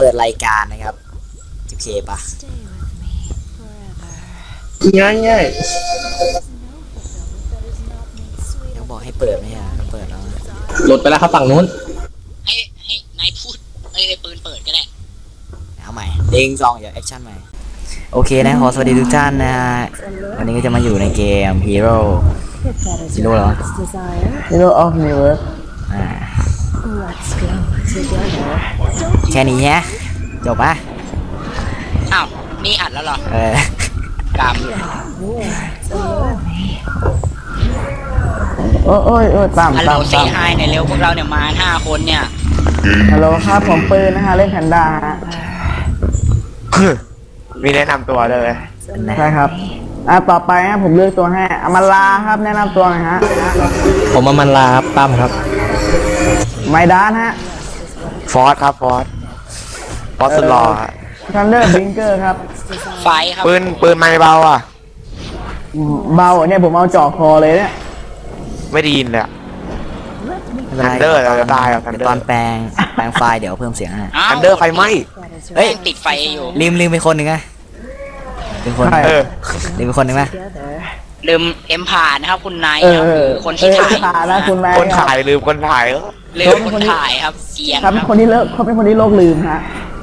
ปิดรายการนะครับโอเคปะง่ายต้องบอกให้เปิดไหมอ่ะต้องเปิดแล้วหลุดไปแล้วครับฝั่งนู้นให้นายพูดไอ้ปืนเปิดก็ได้เอาใหม่เด้งซองอย่าแอคชั่นใหม่โอเคนะขอสวัสดีทุกท่านนะฮะวันนี้ก็จะมาอยู่ในเกม Hero เหรอ Hero of Universe แค่นี้ฮะจบปะอ้าวนี่อัดแล้วเหรอกโอ้ยตามฮัลโหลเซฮายในเร็วพวกเราเนี่ยมา5 คนเนี่ยฮัลโหลครับผมปืนนะฮะเล่นแพนด้าฮะมีแนะนำตัวเลยใช่ครับต่อไปฮะผมเลือกตัวให้อมาลาครับแนะนำตัวหน่อยฮะผมอมันลาครับตั้มครับไมดานฮะฟอสครับฟอสสุดหล่อฮะทันเดอร์บิงเกอร์ครับไฟครับปืนไม่เบาอ่ะเบาเนี่ยผมเอาจ่อคอเลยเนี่ยไม่ได้ยินเลยอะไม่เป็นไร Thunder เราจะตายอ่ะ Thunder เดี๋ยวตอนแปลงไฟล์เดี๋ยวเพิ่มเสียงให้ทันเดอร์ไฟไหม้เฮ้ยติดไฟอยู่ลืมไปคนหนึ่งไงเป็นคนเออลืมไปคนหนึ่งไหมลืมเอ็มผ่านนะครับคุณนายเอครับอคือคนที่ถ่ายขานะคุณแม่คนถ่ายลืมคนถ่ายเออลืมคนถ่ายครับเกียงครับครับคนที่เลิกเขาเป็นคนที่โลกลืมฮะ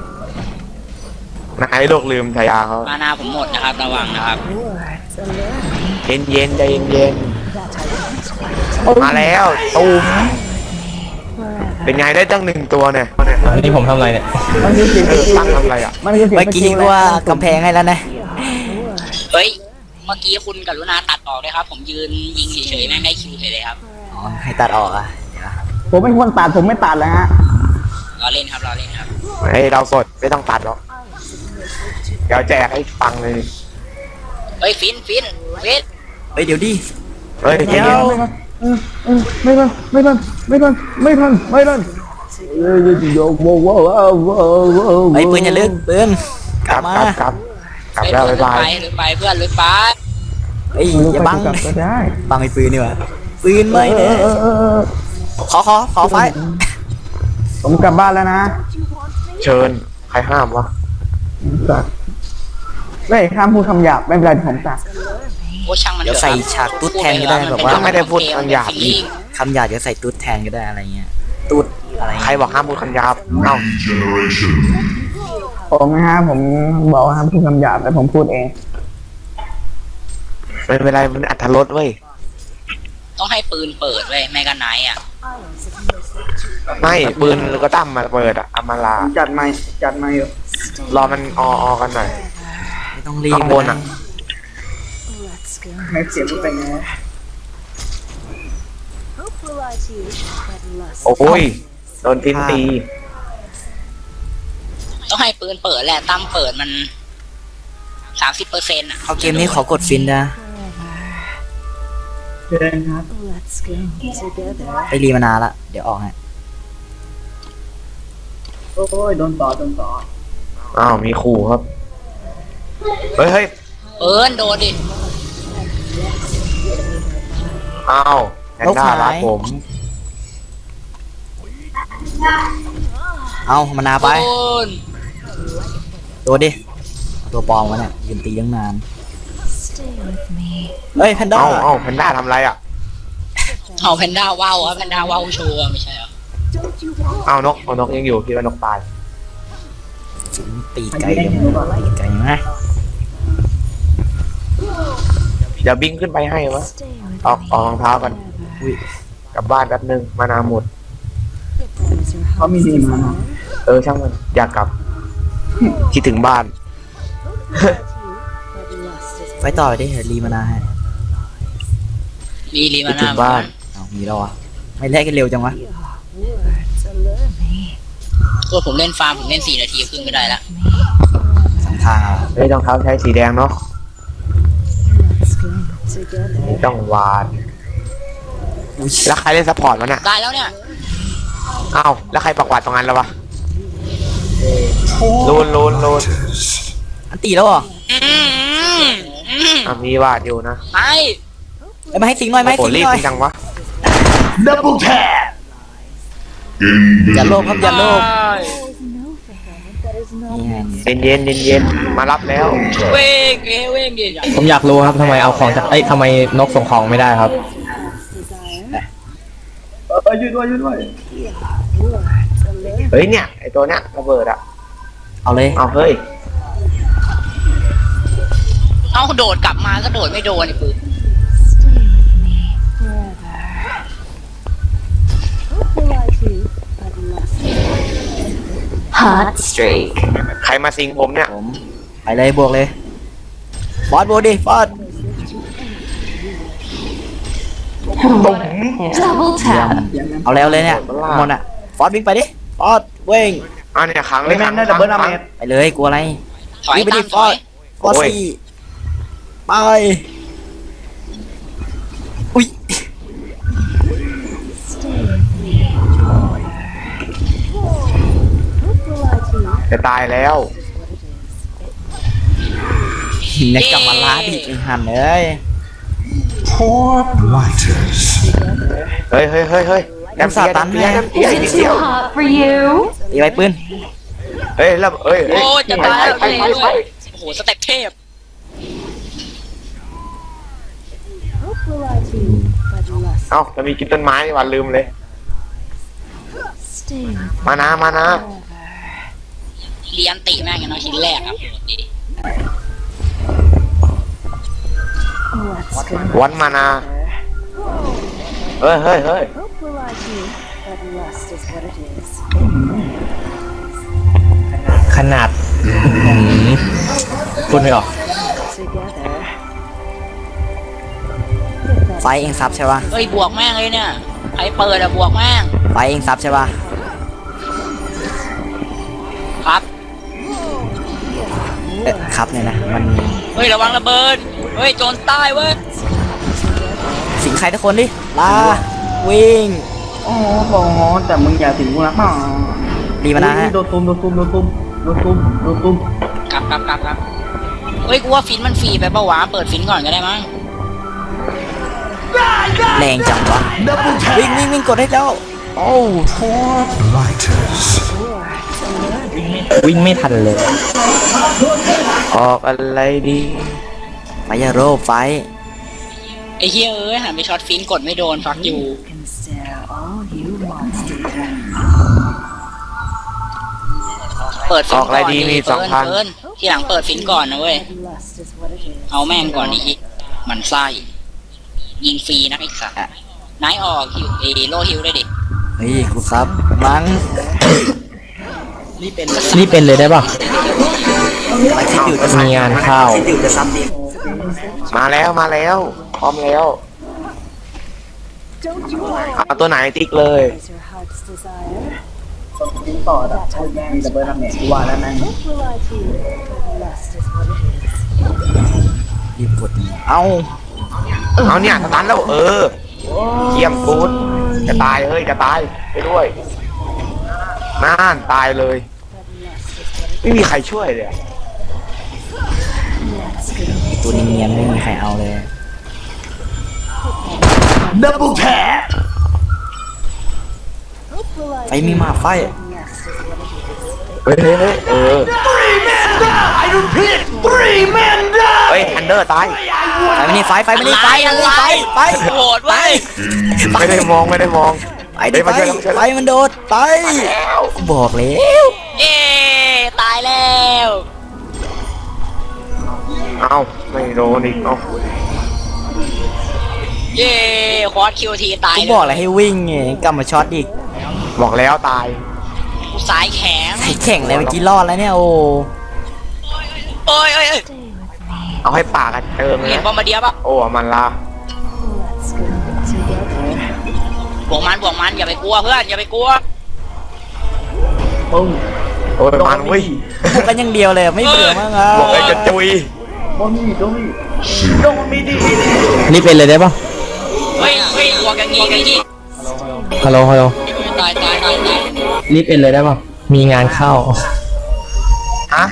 นายโลกลืมฉายาเขามานาผมหมดนะครับระวังนะครับเย็นใจเย็นมาแล้วตูมเป็นไงได้ตั้ง1 ตัวเนี่ยนี่ผมทำอะไรเนี่ยมันคือสิ่งตั้งทำอะไรอ่ะมันคือสิ่งเมื่อกี้ก็ว่ากำแพงให้แล้วนะเฮ้ยเมื่อกี้คุณกรุณาตัดออกเลยครับผมยืนยิงเฉยๆแม่งได้คิวเลยครับอ๋อให้ตัดออกอ่ะเดี๋ยวผมเป็นคนตัดผมไม่ตัดเลยฮะรอเล่นครับรอเล่นครับไอ้เราสดไม่ต้องตัดหรอกเดี๋ยวแจกให้ฟังเลยเฮ้ยฟินเฮ้ยเดี๋ยวดิเฮ้ยใจเย็นไม่ทันโยกโว้ไอ้ปืนอย่าลึกปืนกกลัลับบ มากลับแล้วบ๊ายบายหรือไปเพื่อนหรือไปเฮ้ยอย่าบังก็ได้บังไอ้ปืนนี่วะปืนไม่เนี่ยขอไฟผมกลับบ้านแล้วนะเชิญใครห้ามวะตัดไม่ข้ามพูดคำหยาบไม่เป็นไรผมตัดโอ้ช่างมันเดี๋ยวใส่ฉากตุ๊ดแทนก็ได้แบบว่าไม่ได้พูดคำหยาบอีกคำหยาบเดี๋ยวใส่ตุ๊ดแทนก็ได้อะไรเงี้ยตุ๊ดอะไรใครบอกห้ามพูดคำหยาบเอ้าผมนะฮะผมบอกว่าห้ามพูดคำหยาบแต่ผมพูดเองไม่เป็นไรมันอัธรสเว้ยต้องให้ปืนเปิดเว้ยแมกกาไนท์อ่ะไม่ปืนก็ตั้มมาเปิดอะอามาลาจัดไม่อยู่รอมันออกันหน่อยไม่ต้องรีบข้างบนอะให้เสียงมันเป็นไงโอ้ยโดนฟินตีต้องให้ปืนเปิดแหละตั้มเปิดมัน30%อ่ะเอาเกมนี้ขอกดฟินนะเชิญครับไปรีมานานละเดี๋ยวออกฮะโอ้ยโดนต่ออ้าวมีขู่ครับเฮ้ยปืนโดนดิอ้าวแพนด้ารักผมเอามานาไปปืนตัวดิเอาตัวปลอมวะเนี่ยยืนตีตั้งนานเฮ้ยแพนด้าเอ้าแพนด้าทำอะไรอ่ะเอาแพนด้าว้าวครับแพนด้าว้าวโชว์อะไม่ใช่เหรอเอานกยังอยู่คิดว่านกตายตีไกลยังตีไกลนะเดี๋ยวบิ้งขึ้นไปให้วะออกรองเท้ากันกลับบ้านแป๊บนึงมานาหมดเขามีดีมาช่างมันอยากกลับ คิดถึงบ้านไปต่อไปดิเดี๋ยวรีมานาให้รีมาคิดถึนางบ้านเอามีแล้ววะไม่แลกกันเร็วจังวะตัวผมเล่นฟาร์มผมเล่น4 นาทีครึ่งก็ได้ละสองทางอ่ะเฮ้ยรองเท้าใช้สีแดงเนาะไม่ต้องวานแล้วใครเล่นซัพพอร์ตวะเนี่ยได้แล้วเนี่ยอ้าวแล้วใครปักหวาดตรงนั้นแล้ววะลูนอันตีแล้วเหรอมีวาดอยู่นะไปเอ้ยมาให้สิงหน่อยมาให้โอ้สิงรีบหน่อยจังวะอย่าโลภครับอย่าโลภนี่ไงเย็นมารับแล้วเว้งเว้งดิผมอยากรู้ครับทำไมเอาของจากทำไมนกส่งของไม่ได้ครับเฮ้ยเนี่ยไอตัวเนี้ยระเบิดอะเอาเลยเอาเฮ้ยเอาโดดกลับมาก็โดดไม่โดนไอ้ปืน Hot streak. ใครมาสิงผมเนี่ยผมไปเลยบวกเลยฟอสบวกดิฟอส Double เยี่ยม tap. เอาแล้วเลยเนี่ยหมดอ่ะฟอสวิ่งไปดิฟอสเว้งอันเนี่ยขังเลยแม่ขังงได้ดับเบิลดาเมจไปเลยกลัวอะไรถอยวิ่งไปตาดิมฟถออสยฟอสสี่ไปอุ้ยจะตายแล้วเนี่ยกลับมาล้าดิไอ้หันเลย Lighters. เฮ้ยแอมเปียนิด Is เดี it ยว too hot for you? ตีไปปืนเฮ้ยแล้วเฮ้ยโอ้จะตายแล้วไปโอ้โหสเต็ปเทพเอ้าจะมีกินต้นไม้วันลืมเลย มานะเรียนติแม่งอย่างน้อยชิ้นแรกครับดีวันมานาเฮ้ยขนาดพูดไม่ออกไฟเองซับใช่ปะเฮ้ยบวกแม่งเลยเนี่ยใครเปิดอะบวกแม่งไฟเองซับใช่ปะครับครับเนี่ยนะมันเฮ้ยระวังระเบิดเฮ้ยโจรใต้เว้ยสิงใครทุกคนดิลาวิ่งโอ้โหแต่มึงอย่าถึงกูนะป่ะดีมานะฮะโดนตุ้มกลับเฮ้ยกูว่าฟินมันฟรีไปปะวะเปิดฟินก่อนก็ได้มั้งแรงจังวะวิ่งกดให้เจ้าโอ้ Lighters. วิ่งไม่ทันเลยออกอะไรดีไฟอย่าโรบไฟไอ้เฮียเอ้ยหันไปช็อตฟินกดไม่โดนฟักอยู่เปิดฟินออกอะไรดีมีเปิด 2,000 เปิดทีหลังเปิดฟินก่อนนะเว้ยเอาแม่งก่อนอีกมันไส้ยิงฟรีนะไอ้สัสนายออกฮิวโลฮิวได้ดิเฮ้ยกูซับมั้งรีบเป็นเลยได้ป่ะไปคิดอยู่จะซับมีงานเข้าคิดอยู่จะซับดิมาแล้วพร้อมแล้วเอาตัวไหนติ๊กเลยทิ้งต่อแบบใช้แม่งดับเบิลดาเมจกูว่าแล้วแม่งรีบกดเอ้าเอาเนี่ยสตันแล้วเยี่ยมกูดจะตายจะตายไปด้วยน่านตายเลย ไม่มีใครช่วยเลยอะตัวเนียนๆไม่มีใครเอาเลย Double tap. ไฟมีมาไฟเฮ้ยทันเดอร์ตายไฟไม่นี่ไฟไม่นี่ไฟไฟโหดเว้ยไม่ได้มองไปดิเฮ้ยมาช่วยแล้วไฟมันโดดไปบอกแล้วเย้ตายแล้วเอ้าไม่โดนอีกเอ้าเย้คอร์สคิวทีตายกูเลยบอกแล้วให้วิ่งไงกลับมาช็อตอีกบอกแล้วตายสายแข็งใส่แข่งเลยเมื่อกี้รอดแล้วเนี่ยโอ้โอ้ยเอาให้ปากกันเติมเลเห็นยบอมบ์เดียปะโอ้มันละบวกมันอย่าไปกลัวเพื่อนอย่าไปกลัวโอ้ยมันเว้ยพวกกันอย่างเดียวเลยไม่เบื่อมั้งอ่ะบอกเลยจะจุยรีบเป็นเลยได้ป่ะเฮ้ยบวกอย่างงี้ฮัลโหลตายรีบเป็นเลยได้ป่ะ มีงานเข้าฮะ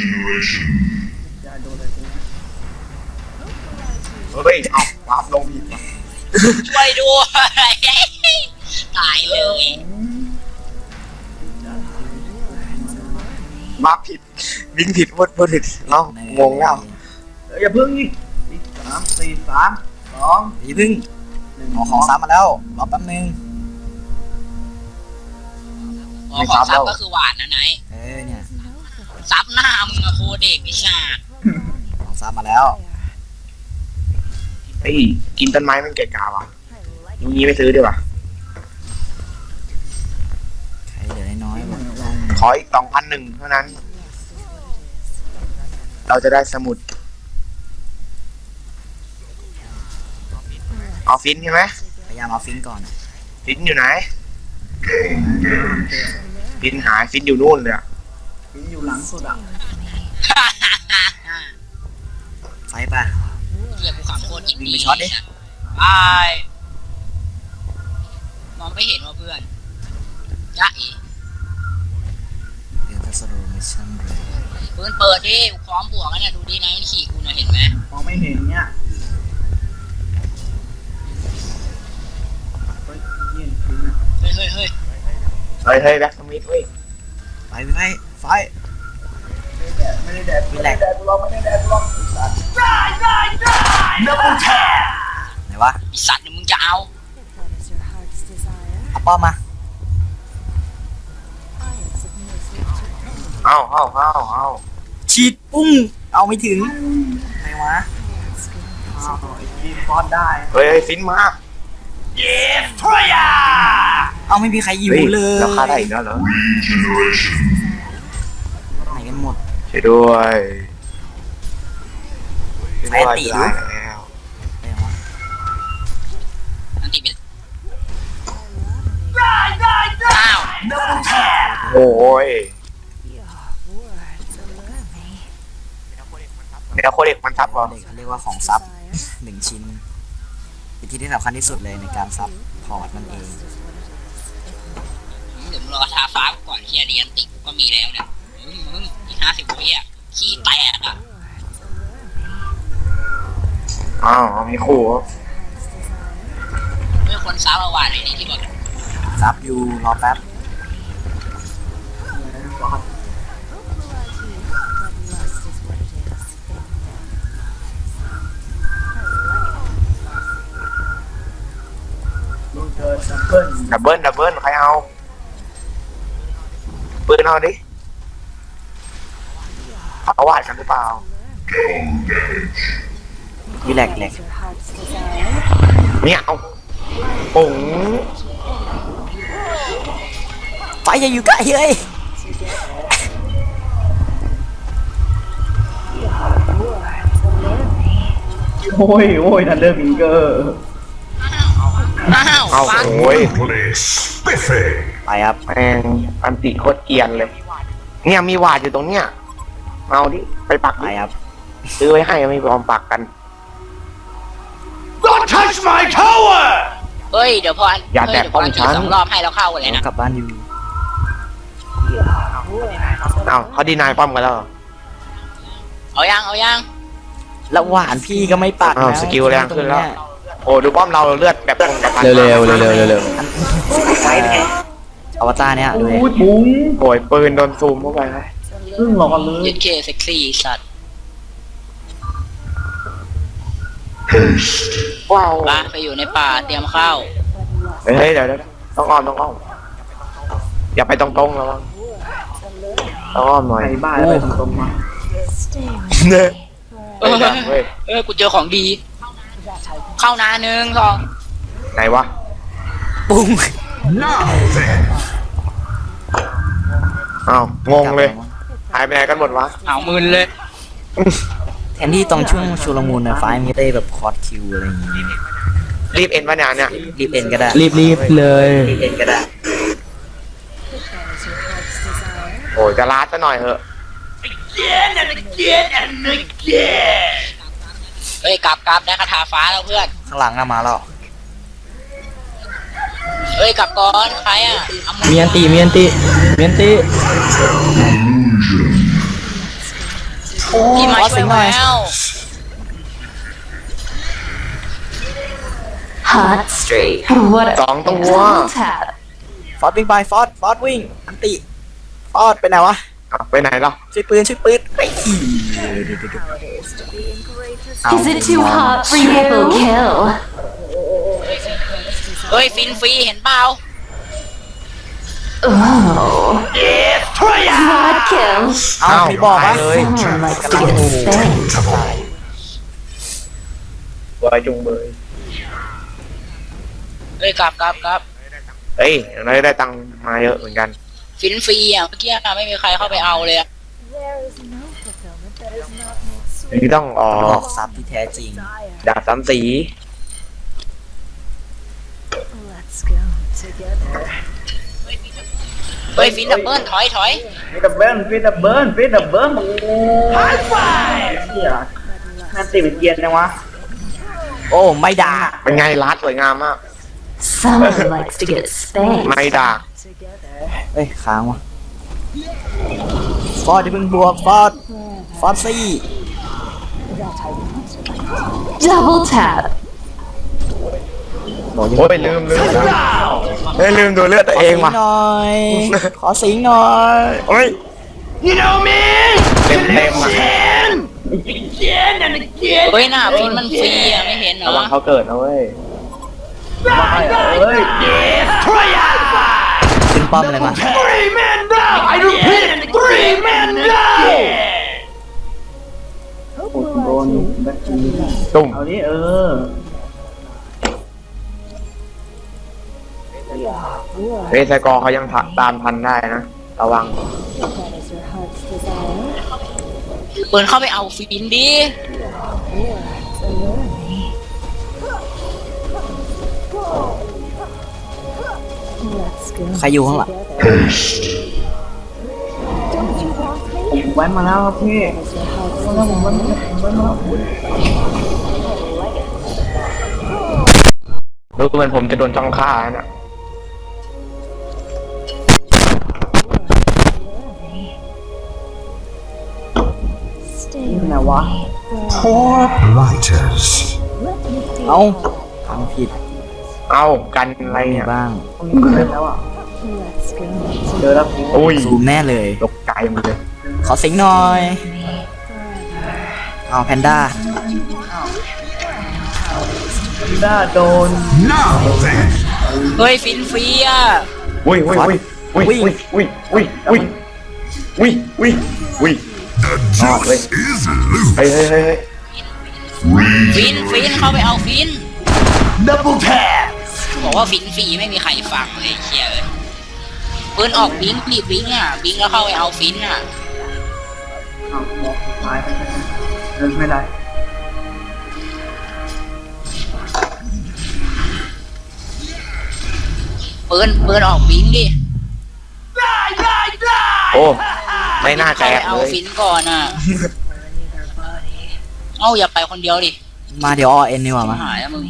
เฮ้ยเอาวาร์ปลงผิดว่ะช่วยด้วยตายเลยมาผิดวิ่งผิดพูดผิดเอ้างงแล้วอย่าพึ่งนี่3 4 3 2 อย่าเพึ่งขอของซ้ำมาแล้วรอแป๊บนึงอ๋อของซับก็คือหวานนะไหนเนี่ยซับหน้ามึงอะโคเด็กไอ้ชาติของซ้ำมาแล้วเฮ้ยกินต้นไม้มันเกะกะว่ะงี้ไม่ซื้อดีกว่าใครเหลือน้อยๆบ้างขออีก2,100เท่านั้น เราจะได้สมุดเอาฟินใช่ไหมพยายามเอาฟินก่อนฟินอยู่ไหนฟินหายฟินอยู่นู่นเลยอะอยู่หลังสุดอ่ะไฟป่ะเรียกกูขำโคตรอินวิ่งไปช็อตดิไปมองไม่เห็นว่าเพื่อนจ๊ะอีเดี๋ยวจะสโลว์มิชชั่นเลยปืนเปิดดิกูพร้อมบวกแล้วเนี่ยดูดินะมันขี่กูเนี่ยเห็นไหมมองไม่เห็นเนี่ยเฮ้ยเย็นทิ้งอ่ะเฮ้ยเฮ้ยแบ็คสมิธเว้ยไฟไฟไม่ได้แดดมีแหลกแดดกูลองไม่ได้แดดกูลอง Double tap. ไหนวะไอสัตว์เนี่ยมึงจะเอาเอาป้อมมาเอาฉีดปุ้งเอาไม่ถึงไหนวะยิงฟอนได้เฮ้ยฟินมาเอาไม่มีใครอยู่เฮ้ยเลยแล้วค่าได้อีกแล้วเหรอไหนกันหมดช่วยด้วยแฟนตีดูได้แล้วไหนวะอันตีเป็นอ้าวโอ้ยเดี๋ยวโคเด็กมันทับเหรอเด็กเขาเรียกว่าของซับ1 ชิ้นเป็นที่ที่สำคัญที่สุดเลยในการซับพอร์ตมันเองเดี๋ยวมึงรอทาฟ้าก่อนที่จะเรียนติกูก็มีแล้วเนี่ยมึงอีก50 วิอ่ะขี้แตกอ่ะอ้าวมีขู่เหรอเมื่อคนซ้ามาหวานเลยนี่ที่บอกซับอยู่รอแป๊บลูกเกิดดับเบิ้ลดับเบิลใครเอาปืนเอาดิเอาวาดกันหรือเปล่ามีแหลกเนี่ยเอาปุ๋งไฟอย่าอยู่ใกล้เฮ้ยโอ้ยทันเดอร์บิงเกอร์อ้าวเอาฟังโอ้ย Brutally spiffy. ไปครับแม่งอันติโคตรเกรียนเลย เนี่ยมีวาดอยู่ตรงเนี้ยเอาดิไปปักไปดิครับซื้อไว้ให้ไม่ยอมปักกัน Don't touch my tower. เฮ้ยเดี๋ยวพออย่าแตะป้อมฉัน 2 รอบให้เราเข้ากันเลยนะกลับบ้านอยู่เอาเขาดีนายป้อมกันแล้วเหรอเอายังแล้วหวานพี่ก็ไม่ปักอ้าวนะสกิลแรงขึ้นแล้ว โอ้ดูป้อมเราเลือดแบบแบบเร็วไฟเป็นไงอวตารเนี่ยดูดิอุ้ยบุ้งโอ้ยปืนโดนซูมเข้าไปครับซึ่งรอเลยยึดเคเซ็กซี่สัตว์ว้าวลาไปอยู่ในป่าเตรียมเข้าเฮ้ยเดี๋ยวต้องอ้อมอย่าไปตรงๆแล้วต้องอ้อมหน่อยไอ้บ้าแล้วไปตรงๆมาเนี่ยเออเฮ้ยกูเจอของดี เข้านา1 2 ไหนวะปุ้ง Now then. อ้าวงงเลยหายไปไหนกันหมดวะเอามืนเลยแทนที่ตรงช่วงชุลมุนนะไฟมีได้แบบคอร์ดคิวอะไรอย่างงี้รีบเอ็นวะเนี่ยรีบเอ็นก็ได้รีบเลยรีบเอ็นก็ได้โอ้ยจะลาดซะหน่อยเหอะเฮ้ยกลับได้คาถาฟ้าแล้วเพื่อนข้างหลังอะมาแล้วเฮ้ยกลับก่อนใครอ่ะเอามือมีอันตีพี่มาช่วยแล้ว Hot streak. What a 2 ตัว double tap. ฟอสวิ่งไปฟอสวิ่งอันติฟอสไปไหนวะเอาไปไหนล่ะช่วยปืนไอ้ย Is it too hot for you? Triple kill. เฮ้ยฟินฟรีเห็นเปล่า Oh. Quad kill. เอามีบอกว่าตายเลย Someone likes to get spanked. บอยจุงเบยเฮ้ยกลับเฮ้ยเราได้ตังค์มาเยอะเหมือนกันฟินฟรีอ่ะเมื่อกี้ไม่มีใครเข้าไปเอาเลยอะนี่ต้องออบอก อกซับที่แท้จริงดาบสามสีเฮ้ยฟินดับเบิลถอยฟิตดับเบิ้ลไฮไฟเฮียน่าตีเป็นเกียนจังวะโอ้ไม่ด่าเป็นไงรัดสวยงามมาก Someone likes to get spanked. ไม่ด่าเอ้ยค้างวะฟอร์ดอย่าเพิ่งบวกฟอร์ดซี่ Double tap. บอกอย่าโอ้ยลืมเฮ้ยลืมดูเลือดตัวเองว่ะหน่อยขอสิงหน่อยโอ้ย You know me? เต็มอ่ะเฮ้ยหน้าฟินมันฟรีอ่ะไม่เห็นเหรระอวังเขาเกิดนะเว้ยขึ้นป้อมเลยมา Three men down! I repeat, 3 men down! โดนแบ็คทีตุ่มเอาดิเฮ้ยไซกอร์เขายังตามทันได้นะ ระวังเปิดเข้าไปเอาฟินดิใครอยู่ข้างหลังผมแว้นมาแล้วครับพี่ผมแว้นมาแล้วดูเหมือนผมจะโดนจ้องฆ่าแล้วน่ะไหนวะ Poor blighters. เอ้าทำผิดเอากันอะไรมีเนี่ยบ้างตรงนี้เจอแล้วอ่ะเจอแล้วพี่อุ้ยซูมแน่เลยตกใจหมดเลยขอสิงหน่อยเอาแพนด้าด้าโดน Now then, เฮ้ยฟินฟรีอ่ะอุ้ยอุ้ยอุ้ยอุ้ยอุ้ยอุ้ยอุ้ยอุ้ยอุ้ยอุ้ยอุ้ย the juice is loose. เฮ้ยเฮ้ยเฮ้ยฟินเข้าไปเอาฟิน Double tap! บอกว่าฟินฟรีไม่มีใครฟังเลยเชียเอ้ยปืนออกบิงดิบิงอ่ะบิงแล้วเข้าไปเอาฟินอ่ะเอาบอกตายไปเดินไม่ได้ปืนออกบิงดิโอ้ไม่น่าแตเข้าก ไปเอาเลยฟินก่อนอ่ะเอ้าอย่าไปคนเดียวดิมาเดี๋ยวอเอ็นดีกว่ามาหายแล้วมึง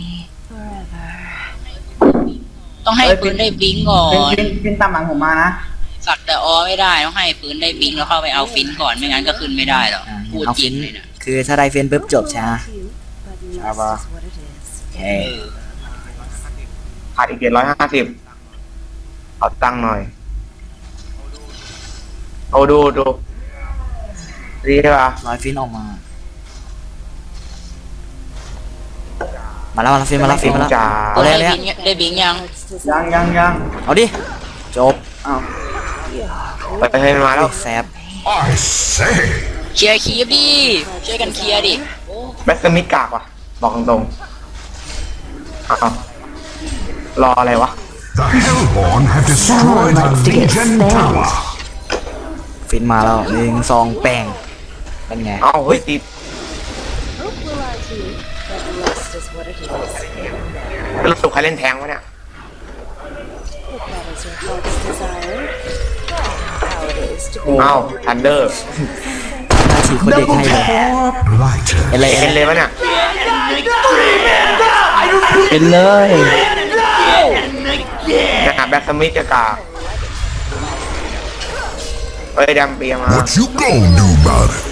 ต้องให้ปืนได้บิงก่อนฟินตามหลังผมมานะสักแต่อไม่ได้ต้องให้ปืนได้บิงแล้วเข้าไปเอาฟินก่อนไม่งั้นก็ขึ้นไม่ได้หรอกอ่าพูดเอาจริฟิงนเลยนะคือถ้าได้เฟนปุ๊บจบใช่ไหมใช่ปะโอเคขาดอีก750เอาตังค์หน่อยเอาดูดีป่ะร้อยฟินออกมาแล้วฟินมาแล้วจ๋าเอาเลยได้เนี่ยบิงได้บิงยังยังเอาดิจบอ้าวไปเห็นมาแล้วแซบ I say, เคลียร์คีบดิช่วยกันเคลียร์ดิแบสมิดกากว่ะ บอกตรงๆเอารออะไรวะ the Hellborn have destroyed a Legion tower. ฟินมาแล้ว1 2แป้งเป็นไงเอาเฮ้ยติดรู้สึกใครเล่นแทงวะเนี่ย เอาทันเดอร์หน้าฉีกคนเด็กให้เลย Poor blighters. เอ็นเลยเอ็นเลยวะเนี่ยเป็นเลยนะแบ็กสมิธจะกากเฮ้ยดำเปียมา What you gonna do about it?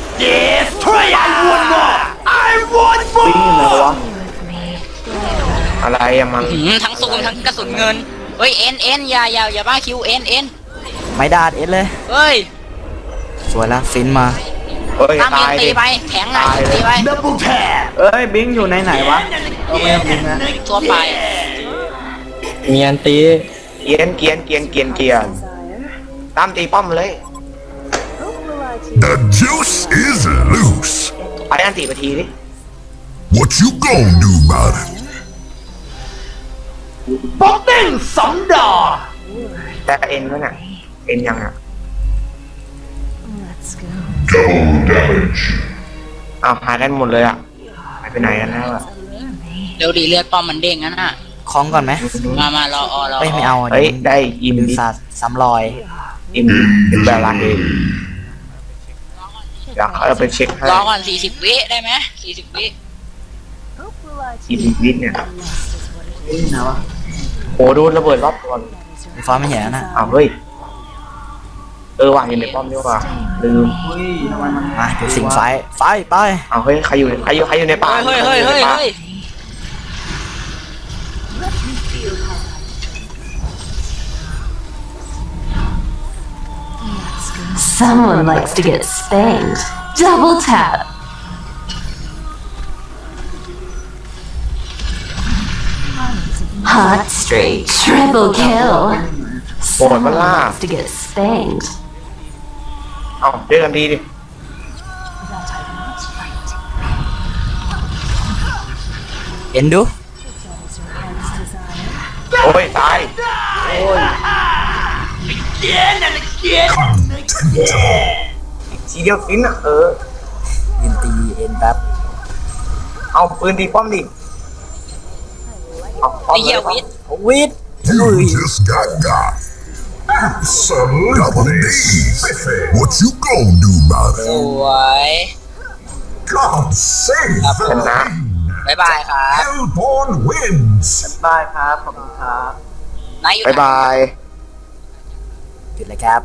อะไรอะมันทั้งซูมทั้งกระสุนเงินเฮ้ยเอ็นอย่าบ้าคิวเอ็นไม่ดาดเอ็นเลยเฮ้ยสวยแล้วฟินมาเฮ้ยตั้มยิตาง ยตีดิไปแข็งหน่อยตีไป Double tap. เอ้ยบิงอยู่ไหนวะเอาไม่ต้องบิงนะทั่วไปมีอันตีเกียนตามตีป้อมเลย The juice is loose. ไปอันตีไปทีดิ What you gonna do about it? ป๊อกเด้ง2 ดอกแต่เอ็นวะน่ะเอ็นยังอ่ะ Double damage. อ้าวหายกันหมดเลยอ่ะหายไปไหนกันแล้วอ่ะเร็วดีเลือดป้อมมันเด้งงั้นน่ะคล้องก่อนไหมมารอรอเอ้ยไม่เอาเฮ้ยได้อินดึงดิศาสตร์ซ้ำรอยอินแบบรักเองเดี๋ยวเขาจะไปเช็คให้รอก่อน40 วิได้ไหม40 วิอินวิทย์เนี่ยบิงไหนวะโหโดนระเบิดรอบก่อนฟ้าไม่เห็นแล้วนะอ้าวเฮ้ยว่างอยู่ในป้อมดีกว่าลืมเฮ้ยทำไมมันมาเดี๋ยวสิงไฟไปอ้าวเฮ้ยใครอยู่ในป่าเฮ้ย Someone likes to get spanked. Double tap. Hot streak. Triple kill. Someone likes to get spanked. อ้าวเจอกันดีดิเอ็นดูโอ้ยตาย Again and again. ทีเดียวฟินอ่ะยืนตีเอ็นแป๊บเอาปืนตีป้อมดิเอาป้อมไอ้เหี้ยวิทย์วิท You just got. Some double D's. What you gonna do about ส it? วย God save ครับ the นะบ๊ายบายครับ Hellborn wins. ได้ครับขอบคุณครับนายอยู่บ๊ายไหนบายปิดเลยครับ